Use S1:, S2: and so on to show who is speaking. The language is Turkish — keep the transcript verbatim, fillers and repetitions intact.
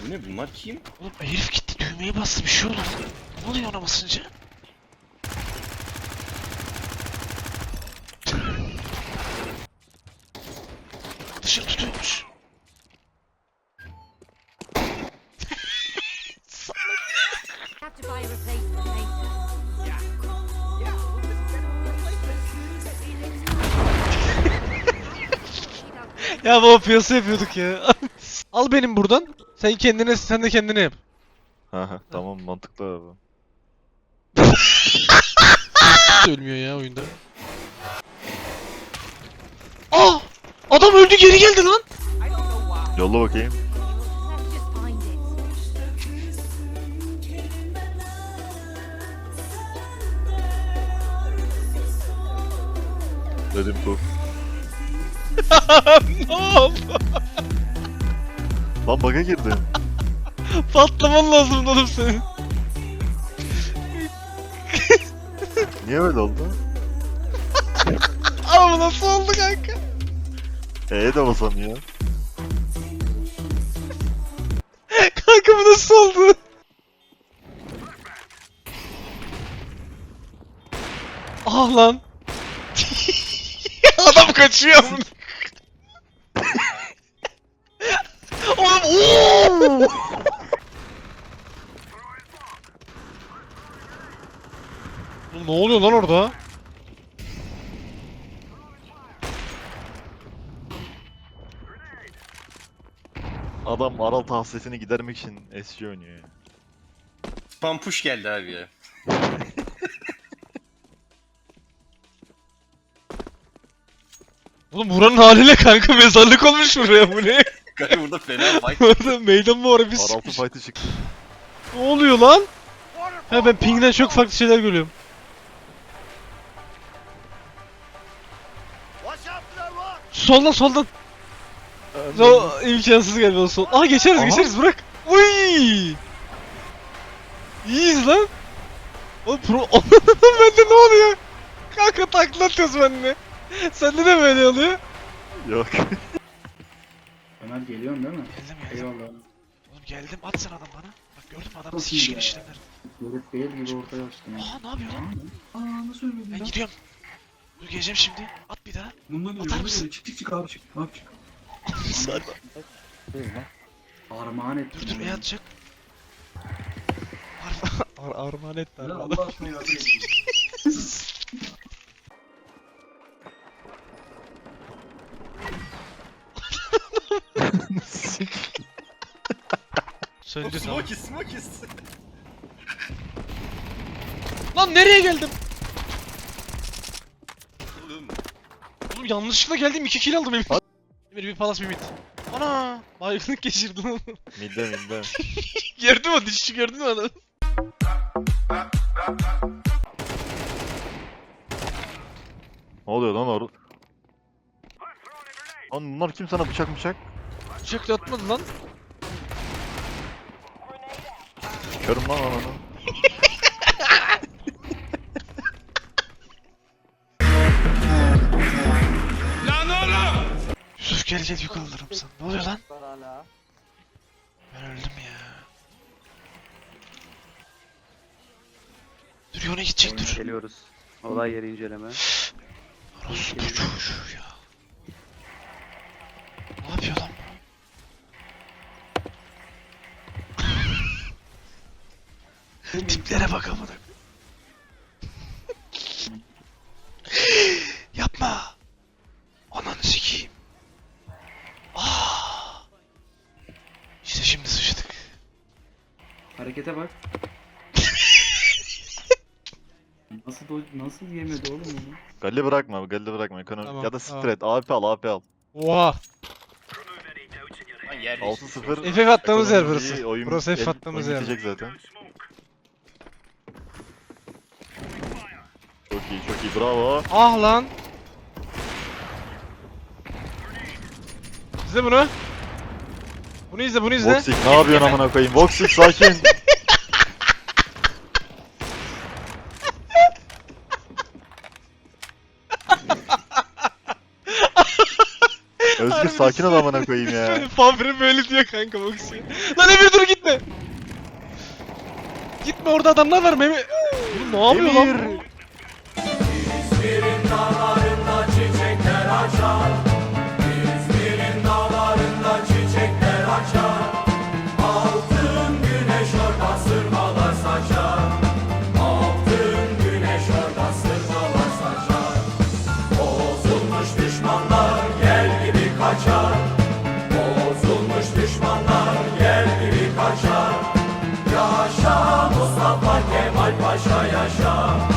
S1: Bu ne, bunlar kim?
S2: Oğlum herif gitti düğmeye bastı, bir şey oldu. Ne oluyor ona basınca? Dışarı tutuyormuş.
S3: Have to buy a replacement later.
S2: Ya baba piyasa yapıyorduk ya. Al benim buradan. Sen kendine, sen de kendine yap.
S4: Ha tamam, mantıklı abi.
S2: Ölmüyor ya oyunda. Aa! Adam öldü, geri geldi lan.
S4: Yolla bakayım.
S3: Let's just find it.
S4: Dedim bu.
S2: Ne oldu?
S4: Lan bug'a girdim.
S2: Patlaman lazım oğlum senin.
S4: Niye öyle oldu?
S2: Ama nasıl oldu kanka?
S4: E'ye de basamıyor.
S2: Kanka bu nasıl oldu? Ah lan. Adam kaçıyor. Oğlum ooo. Oğlum ne oluyor lan orada?
S4: Adam Aral hasretini gidermek için S G oynuyor ya.
S1: Pampuş geldi abi ya.
S2: Oğlum buranın haliyle kanka mezarlık olmuş buraya, bu ne?
S1: Kanka burada fena fight.
S2: Orada meydan mı var, bir
S4: Araltı
S2: sıkmış.
S4: fight'ı çıktı.
S2: Ne oluyor lan? Ha ben ping'den çok farklı şeyler görüyorum. Soldan soldan. O imkansız galiba o sol. Aa geçeriz
S4: Aha.
S2: geçeriz, bırak. Uy! İyiyiz lan. Oğlum pro... Bende ne oluyor? Kanka takla atıyoruz benimle. Sende de böyle oluyor.
S4: Yok.
S5: Ömer geliyorsun değil mi?
S2: Geldim geldim.
S5: Eyvallah.
S2: Oğlum geldim, at sen adam bana. Bak gördün mü adamın
S5: Çok
S2: sikiş
S5: iyi ya.
S2: girişlerini.
S5: Herif değil gibi ortaya açtın ya.
S2: Aa ne yapıyor lan?
S5: Aa nasıl ölmedin
S2: Ben
S5: lan?
S2: gidiyorum. Dur geleceğim şimdi. At bir daha.
S5: Bundan
S2: Atar
S5: ölüyor,
S2: mısın?
S5: bundan çık çık çık abi çık. Abi çık. Armağan ettim.
S2: Dur dur,
S5: onu.
S2: e atacak. Ar ar armağan et
S5: Ya
S2: bana.
S5: Allah aşkına yardım edin.
S2: Söndü tamam.
S1: Smokies, smokies.
S2: Lan nereye geldim?
S1: Oğlum,
S2: Oğlum yanlışlıkla geldim, iki kill aldım emin. Bir bir palas bir mid. Ana! Baygınlık geçirdim onu.
S4: Midde midde.
S2: Gördün mü, dişçi gördün mü adam?
S4: Ne oluyor lan orada? Lan bunlar kim sana bıçak bıçak?
S2: Bıçakla atmadı lan.
S4: Körüm lan ananı.
S2: Yusuf gel gel, yük alırım sana. Ne oluyor lan? Ben öldüm ya. Dur yona gidecek dur.
S6: Geliyoruz. Olay yeri inceleme.
S2: Orası bu çocuğu ya. Ne yapıyor lan bu? Tiplere bak amına. Yapma. Ananı sikeyim. Aa. İşte şimdi sıçtık.
S5: Harekete bak. Nasıl do nasıl yemedi oğlum onu?
S4: Galli bırakma, Galli bırakma. Ekonomi
S2: Tamam,
S4: ya da
S2: tamam.
S4: straight. A W P al, A W P al.
S2: Oha.
S1: lan yer
S4: altı sıfır.
S2: F F attığımız yer
S4: Ekonomi iyi,
S2: burası.
S4: oyun-
S2: Burası F
S4: el-
S2: attığımız
S4: oyun
S2: yer.
S4: bitecek zaten. Çok iyi, çok iyi. Bravo.
S2: Ah lan. İzle bunu. Bunu izle, bunu izle.
S4: Voxic ne yapıyorsun amına koyayım? Voxic sakin. Özgür
S2: Harbi
S4: sakin ol
S2: de-
S4: amına koyayım ya.
S2: Fabri böyle diyor kanka Moxie. Lan Emir dur gitme. Gitme orada adamlar var Memi. Bu ne yapıyor lan?
S4: Emir.
S7: Yaşa Mustafa Kemal Paşa yaşa.